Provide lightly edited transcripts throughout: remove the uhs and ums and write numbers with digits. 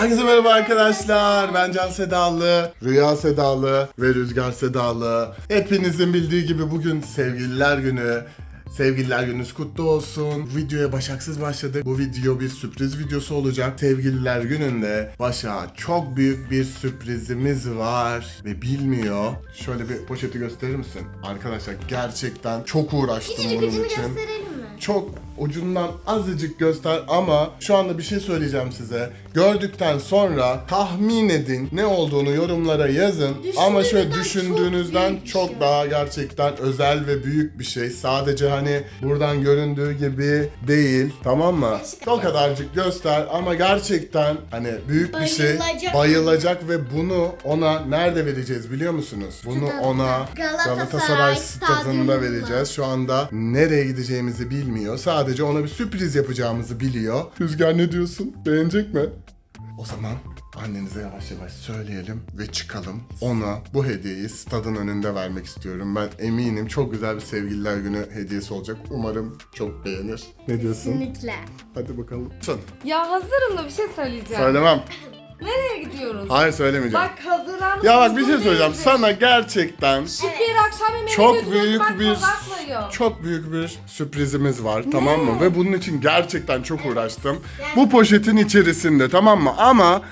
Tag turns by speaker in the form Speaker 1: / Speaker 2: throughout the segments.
Speaker 1: Herkese merhaba arkadaşlar. Ben Can Sedalı, Rüya Sedalı ve Rüzgar Sedalı. Hepinizin bildiği gibi bugün Sevgililer Günü. Sevgililer gününüz kutlu olsun. Videoya Başak'sız başladık. Bu video bir sürpriz videosu olacak. Sevgililer gününde Başak'a çok büyük bir sürprizimiz var ve bilmiyor. Şöyle bir poşeti gösterir misin? Arkadaşlar gerçekten çok uğraştım bunun için.
Speaker 2: Gösterelim mi?
Speaker 1: Çok ucundan azıcık göster ama şu anda bir şey söyleyeceğim size. Gördükten sonra tahmin edin, ne olduğunu yorumlara yazın. Ama şöyle düşündüğünüzden çok daha gerçekten özel ve büyük bir şey. Sadece hani buradan göründüğü gibi değil, tamam mı? O kadarcık göster ama gerçekten hani büyük bir şey. Bayılacak ve bunu ona nerede vereceğiz biliyor musunuz? Bunu ona Galatasaray stadında vereceğiz. Şu anda nereye gideceğimizi bilmiyor. Sadece ona bir sürpriz yapacağımızı biliyor. Rüzgar ne diyorsun? Beğenecek mi? O zaman annenize yavaş yavaş söyleyelim ve çıkalım. Ona bu hediyeyi stadın önünde vermek istiyorum. Ben eminim çok güzel bir sevgililer günü hediyesi olacak. Umarım çok beğenir. Ne diyorsun?
Speaker 2: Kesinlikle.
Speaker 1: Hadi bakalım.
Speaker 3: Ya hazırım da bir şey söyleyeceğim.
Speaker 1: Söylemem.
Speaker 3: Nereye gidiyoruz?
Speaker 1: Hayır söylemeyeceğim.
Speaker 3: Bak hazırlanmış.
Speaker 1: Ya bak bir şey söyleyeceğim. Sana gerçekten
Speaker 3: Şık bir akşam yemeğine
Speaker 1: çok
Speaker 3: götürüyoruz,
Speaker 1: büyük
Speaker 3: bak
Speaker 1: bir
Speaker 3: uzatmıyor.
Speaker 1: çok büyük bir sürprizimiz var, tamam mı? Ve bunun için gerçekten çok uğraştım. Bu poşetin içerisinde, tamam mı?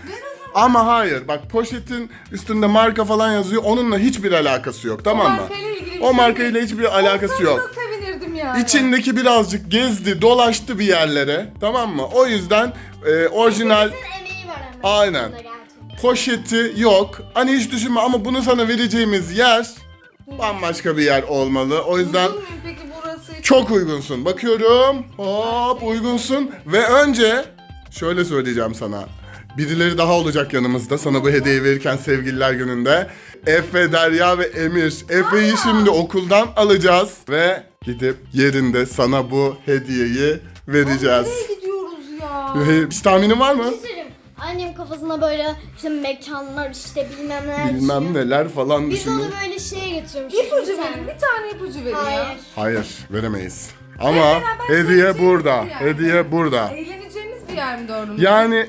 Speaker 1: Ama hayır. Bak poşetin üstünde marka falan yazıyor. Onunla hiçbir alakası yok, tamam mı?
Speaker 3: markayla ilgili bir
Speaker 1: O
Speaker 3: şey
Speaker 1: markayla hiçbir alakası
Speaker 3: Olsaydı
Speaker 1: yok.
Speaker 3: da sevinirdim yani.
Speaker 1: İçindeki birazcık gezdi, dolaştı bir yerlere, tamam mı? O yüzden orijinal
Speaker 2: Emeği var ama.
Speaker 1: aynen.
Speaker 2: Gerçekten.
Speaker 1: Poşeti yok. Hani hiç düşünme ama bunu sana vereceğimiz yer bambaşka bir yer olmalı. O yüzden
Speaker 3: Uygun muyum peki burası?
Speaker 1: çok uygunsun. Bakıyorum. Hop uygunsun. Ve önce şöyle söyleyeceğim sana. Birileri daha olacak yanımızda sana bu hediyeyi verirken sevgililer gününde. Efe, Derya ve Emir. Efe'yi şimdi okuldan alacağız. Ve gidip yerinde sana bu hediyeyi vereceğiz.
Speaker 3: Nereye gidiyoruz ya?
Speaker 1: Hiç tahminin var mı?
Speaker 2: Söyleyeyim. Annem kafasına böyle işte mekanlar işte bilmem neler
Speaker 1: Bilmem
Speaker 2: düşünüyor.
Speaker 1: neler falan
Speaker 2: Biz
Speaker 1: düşünüyor.
Speaker 2: onu böyle şeye götürmüş.
Speaker 3: İpucu verin. Bir tane ipucu verin
Speaker 2: Hayır.
Speaker 3: ya.
Speaker 1: Hayır, veremeyiz. Ama
Speaker 3: beraber
Speaker 1: hediye
Speaker 3: seveceğimiz
Speaker 1: burada.
Speaker 3: bir yer.
Speaker 1: Hediye burada.
Speaker 3: Eğleneceğimiz bir yer mi doğru mu?
Speaker 1: Yani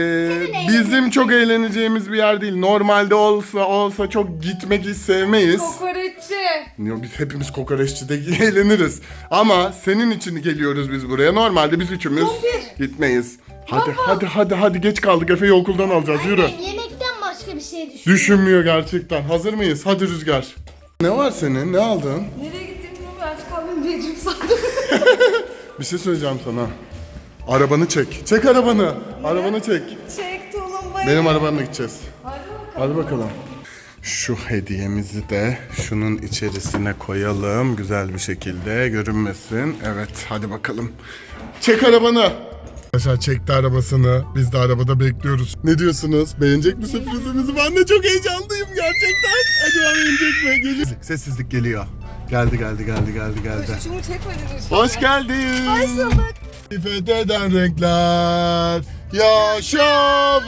Speaker 1: bizim çok eğleneceğimiz bir yer değil. Normalde olsa çok gitmek hiç sevmeyiz.
Speaker 3: Kokoreççi.
Speaker 1: Yo, biz hepimiz kokoreççide eğleniriz. Ama senin için geliyoruz biz buraya. Normalde biz üçümüz
Speaker 3: Kumpir.
Speaker 1: gitmeyiz. Hadi geç kaldık. Efe'yi okuldan alacağız. Yürü.
Speaker 2: Yemekten başka bir şey düşün.
Speaker 1: Düşünmüyor gerçekten. Hazır mıyız? Hadi Rüzgar. Ne var senin? Ne aldın?
Speaker 3: Nereye gittiğimi bilmiyorum. Aç kaldım diyeceğim sandım.
Speaker 1: Bir şey söyleyeceğim sana. Arabanı çek. Çek arabanı. Arabanı çek.
Speaker 3: Çek tulumbayı.
Speaker 1: Benim arabamla gideceğiz.
Speaker 3: Hadi bakalım.
Speaker 1: Hadi bakalım. Şu hediyemizi de şunun içerisine koyalım. Güzel bir şekilde görünmesin. Evet hadi bakalım. Çek arabanı. Arkadaşlar çekti arabasını. Biz de arabada bekliyoruz. Ne diyorsunuz? Beğenecek mi sürprizimizi? Ben de çok heyecanlıyım gerçekten. Acaba beğenecek mi? Geliyor. Sessizlik geliyor. Geldi.
Speaker 3: Şunu çekmediniz.
Speaker 1: Hoş geldin.
Speaker 3: Hoş bulduk.
Speaker 1: Fetheden renkler. Yaşa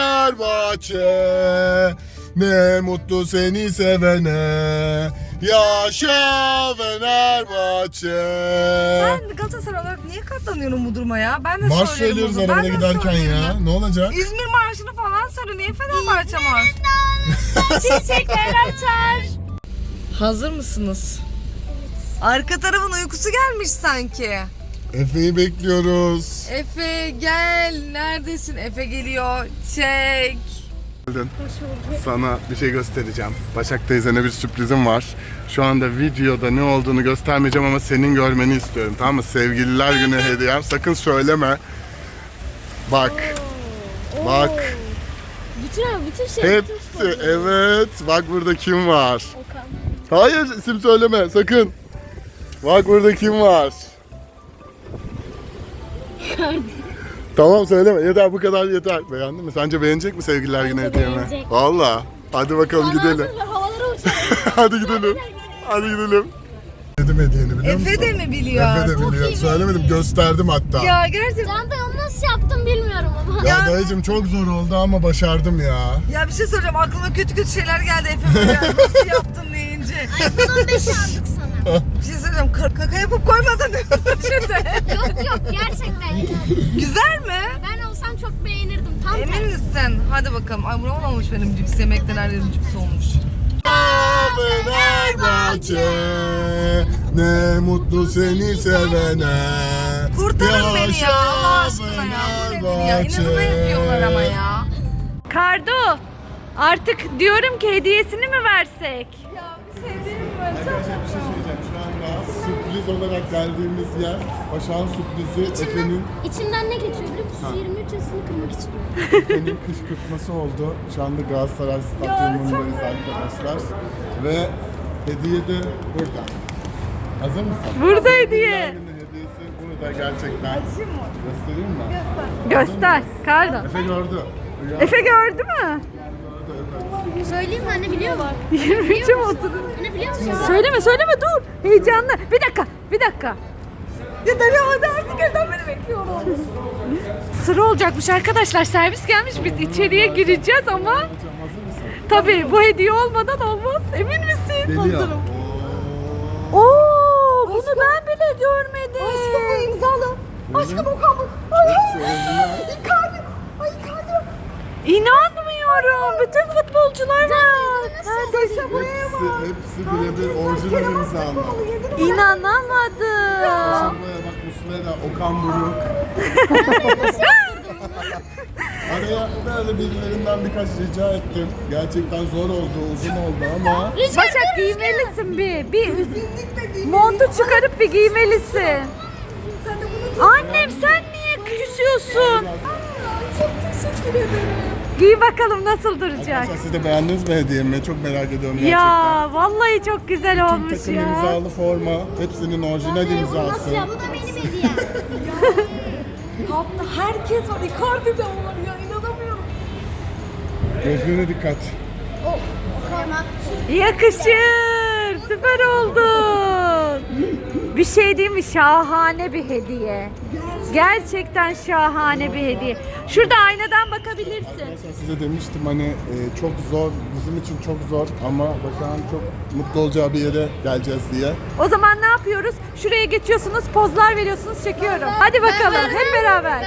Speaker 1: Fenerbahçe. Ne mutlu seni sevene. Yaşa Fenerbahçe.
Speaker 3: Ben Galatasaray olarak niye katlanıyorum bu duruma ya? Ben de
Speaker 1: Marş
Speaker 3: söylüyorum
Speaker 1: söylüyoruz
Speaker 3: bunu.
Speaker 1: arabada
Speaker 3: Ben de
Speaker 1: giderken
Speaker 3: söylüyorum
Speaker 1: ya. Ne olacak?
Speaker 3: İzmir Marşı'nı falan söyle. Niye Fenerbahçe var?
Speaker 2: Çiçekler açar.
Speaker 3: Hazır mısınız? Arka tarafın uykusu gelmiş sanki.
Speaker 1: Efe'yi bekliyoruz.
Speaker 3: Efe gel. Neredesin? Efe geliyor. Çek.
Speaker 1: Sana bir şey göstereceğim. Başak teyzene bir sürprizim var. Şu anda videoda ne olduğunu göstermeyeceğim ama senin görmeni istiyorum, tamam mı? Sevgililer günü hediyem. Sakın söyleme. Bak. Bak.
Speaker 2: Bütün şey.
Speaker 1: Hepsi. Evet. Bak burada kim var?
Speaker 2: Okan.
Speaker 1: Hayır isim söyleme sakın. Bak burada kim var? Tamam söyleme. Yeter bu kadar yeter. Beğendin mi? Sence beğenecek mi sevgililer günü hediyemi?
Speaker 2: beğenecek.
Speaker 1: Valla. Hadi bakalım gidelim.
Speaker 2: Havalara uçar.
Speaker 1: Hadi gidelim. Hadi gidelim. Dedim hediyeni biliyor musun?
Speaker 3: Efe de mi biliyor?
Speaker 1: Efe de biliyor. Söylemedim gösterdim hatta.
Speaker 3: Ya gerçekten.
Speaker 2: Can da onu nasıl yaptım bilmiyorum ama.
Speaker 1: Ya dayıcım çok zor oldu ama başardım ya.
Speaker 3: Ya bir şey söyleyeceğim. Aklıma kötü şeyler geldi Efe böyle. Nasıl yaptın deyince.
Speaker 2: iPhone 15 aldık sana.
Speaker 3: Bir şey söyleyeceğim. Kaka yapıp koymadın.
Speaker 2: Yok gerçekten.
Speaker 3: Güzel mi?
Speaker 2: Ben olsam çok beğenirdim. Tam
Speaker 3: Emin
Speaker 2: tersi.
Speaker 3: misin? Hadi bakalım. Ay buram olmuş benim cips yemekten her yerim cips olmuş.
Speaker 1: Fenerbahçe, ne mutlu seni sevene.
Speaker 3: Kurtarın beni ya Allah aşkına ya. Bu nedir ya? İnadına yapıyorlar ama ya.
Speaker 4: Kardo, artık diyorum ki hediyesini mi versek?
Speaker 3: Ya bir şey değil mi?
Speaker 1: Arkadaşlar bir şey söyleyeceğim. Şu anda sürpriz olarak geldiğimiz yer, Başak'ın sürprizi Efe'nin
Speaker 2: İçimden ne geçiyor biliyor musun? 23 yaşını kırmak istiyorum.
Speaker 1: Efe'nin kışkırtması oldu. Şu anda Galatasaray Stadyumundayız arkadaşlar. Ve hediye de burada. Hazır mısın?
Speaker 4: Burada hediye.
Speaker 1: Efe'nin hediyesi burada gerçekten. Göstereyim mi?
Speaker 4: Göster, Kardo.
Speaker 1: Efe gördü. Rüya
Speaker 4: Efe gördü mü?
Speaker 1: gördü, evet.
Speaker 2: Söyleyeyim mi anne biliyor mu?
Speaker 4: 23'e mi oturdun?
Speaker 2: Anne biliyor musun?
Speaker 4: Söyleme dur. Heyecanlı. Bir dakika.
Speaker 3: Ya Derya hadi artık evden beni bekliyorum.
Speaker 4: Sıra olacakmış arkadaşlar. Servis gelmiş. Biz içeriye gireceğiz ama
Speaker 1: Hocam hazır mısın?
Speaker 4: tabii bu hediye olmadan olmaz. Emin misin?
Speaker 1: Geliyor.
Speaker 4: Oo, bunu ben bile görmedim.
Speaker 3: Aşkım bu imzalı.
Speaker 1: Aşkım
Speaker 3: o kabul. Icardi. Ay Icardi.
Speaker 4: İnanmıyorum. Bütün futbolcular var. Neredeyse
Speaker 1: Hepsi birebir orijinal imzalı.
Speaker 4: İnanamadım.
Speaker 1: Buraya bak Muslera, Okan Buruk. Araya böyle birilerinden birkaç rica ettim. Gerçekten zor oldu, uzun oldu ama
Speaker 4: Başak giymelisin bir montu çıkarıp bir giymelisin. Annem sen niye küsüyorsun?
Speaker 3: Çok teşekkür ederim.
Speaker 4: Giy bakalım nasıl duracak.
Speaker 1: arkadaşlar siz de beğendiniz mi hediyemi? Çok merak ediyorum gerçekten.
Speaker 4: Ya vallahi çok güzel
Speaker 1: Tüm
Speaker 4: olmuş
Speaker 1: takım
Speaker 4: ya.
Speaker 1: imzalı forma, hepsinin orijinal imzası.
Speaker 2: Nasıl ya? Bu da benim hediyem.
Speaker 3: Kapta herkes var. Icardi de var ya. İnanamıyorum.
Speaker 1: Gözlüğüne dikkat.
Speaker 2: Kırmak.
Speaker 4: Yakışır. Süper oldun. Bir şey değil mi? Şahane bir hediye. Gerçekten şahane bir hediye. Şurada aynadan bakabilirsin.
Speaker 1: Arkadaşlar size demiştim hani çok zor, bizim için çok zor ama Başak'ın çok mutlu olacağı bir yere geleceğiz diye.
Speaker 4: O zaman ne yapıyoruz? Şuraya geçiyorsunuz, pozlar veriyorsunuz, çekiyorum. Hadi bakalım hep beraber.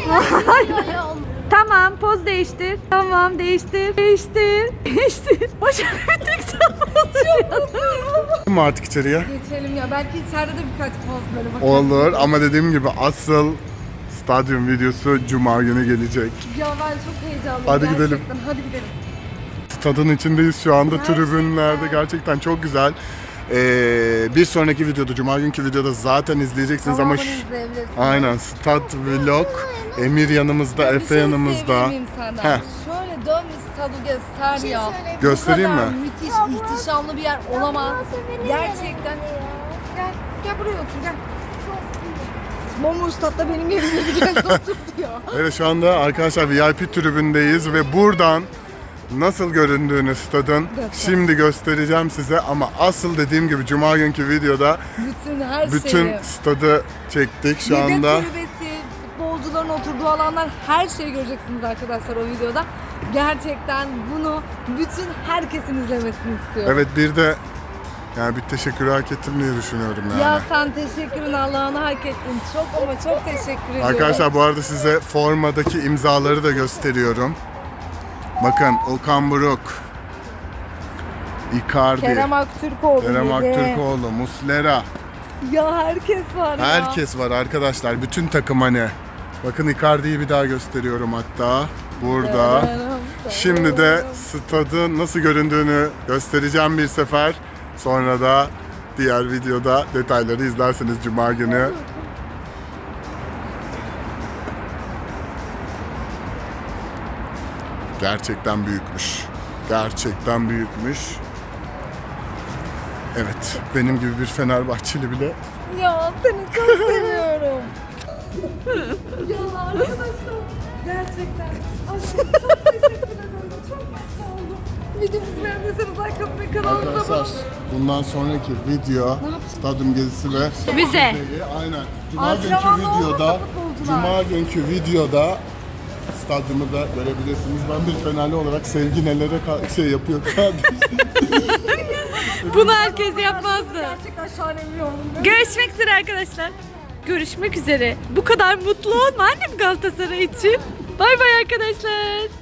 Speaker 4: Tamam, poz değiştir. Tamam, değiştir. Değiştir. Başak bir tek sen
Speaker 1: Mi artık içeriye?
Speaker 3: Geçelim ya. Belki içeride de birkaç poz böyle bakalım.
Speaker 1: Olur ama dediğim gibi asıl stadyum videosu Cuma günü gelecek.
Speaker 3: Ya ben çok heyecanlıyım.
Speaker 1: Hadi
Speaker 3: gerçekten.
Speaker 1: gidelim.
Speaker 3: Hadi gidelim.
Speaker 1: Stadın içindeyiz şu anda tribünlerde gerçekten çok güzel. Bir sonraki videoda, Cuma günkü videoda zaten izleyeceksiniz ama
Speaker 3: Tamamını izleyebilirsiniz.
Speaker 1: aynen Stad Vlog, Emir yanımızda,
Speaker 3: Ya bir
Speaker 1: Efe
Speaker 3: şey
Speaker 1: yanımızda.
Speaker 3: isteyebilir miyim senden?
Speaker 1: Heh.
Speaker 3: Şöyle dön bir stadı göster ya.
Speaker 1: Göstereyim
Speaker 3: Bu kadar
Speaker 1: mi?
Speaker 3: müthiş, ihtişamlı bir yer olamaz. Gerçekten. Gel buraya otur gel. Bomboş statta benim yerim gibi gel otur diyor.
Speaker 1: Evet şu anda arkadaşlar VIP tribündeyiz ve buradan nasıl göründüğünü stadın şimdi göstereceğim size ama asıl dediğim gibi Cuma günkü videoda
Speaker 3: Bütün her
Speaker 1: bütün
Speaker 3: şeyi.
Speaker 1: stadı çektik şu
Speaker 3: Yedek
Speaker 1: anda.
Speaker 3: kulübesi, futbolcuların oturduğu alanlar her şeyi göreceksiniz arkadaşlar o videoda. Gerçekten bunu bütün herkesin izlemesini istiyorum.
Speaker 1: Evet bir de yani bir teşekkür hak ettim diye düşünüyorum yani.
Speaker 3: Ya sen teşekkürün Allah'ını hak ettin. Çok ama çok teşekkür ediyorum.
Speaker 1: Arkadaşlar bu arada size formadaki imzaları da gösteriyorum. Bakın Okan Buruk, Icardi,
Speaker 3: Kerem Aktürkoğlu.
Speaker 1: Kerem
Speaker 3: dedi.
Speaker 1: Aktürkoğlu, Muslera.
Speaker 3: Ya herkes var ya.
Speaker 1: Herkes var arkadaşlar. Bütün takım hani. Bakın Icardi'yi bir daha gösteriyorum hatta. Burada. Şimdi de stadın nasıl göründüğünü göstereceğim bir sefer. Sonra da diğer videoda detayları izlersiniz Cuma günü. Gerçekten büyükmüş. Gerçekten büyükmüş. Evet, benim gibi bir Fenerbahçeli bile
Speaker 3: Ya seni çok seviyorum. Ya arkadaşlar gerçekten aşkım çok teşekkür ederim. Çok mutlu oldum. Videomuzu beğendiyseniz like atmayı, kanalımıza abone
Speaker 1: arkadaşlar bundan sonraki video stadyum gezisi ve
Speaker 4: Bize.
Speaker 1: aynen. Cuma günkü
Speaker 3: Antrenmanda
Speaker 1: videoda
Speaker 3: olmasa futbolcular.
Speaker 1: Cuma günkü videoda stadyumu da görebilirsiniz. Ben bir Fenerli olarak Sevgi nelere yapıyor kardeşim.
Speaker 4: Bunu herkes yapmazdı.
Speaker 3: Gerçekten şahane bir yorum.
Speaker 4: Görüşmek üzere arkadaşlar. Görüşmek üzere. Bu kadar mutlu olma annem Galatasaray için. Bay bay arkadaşlar.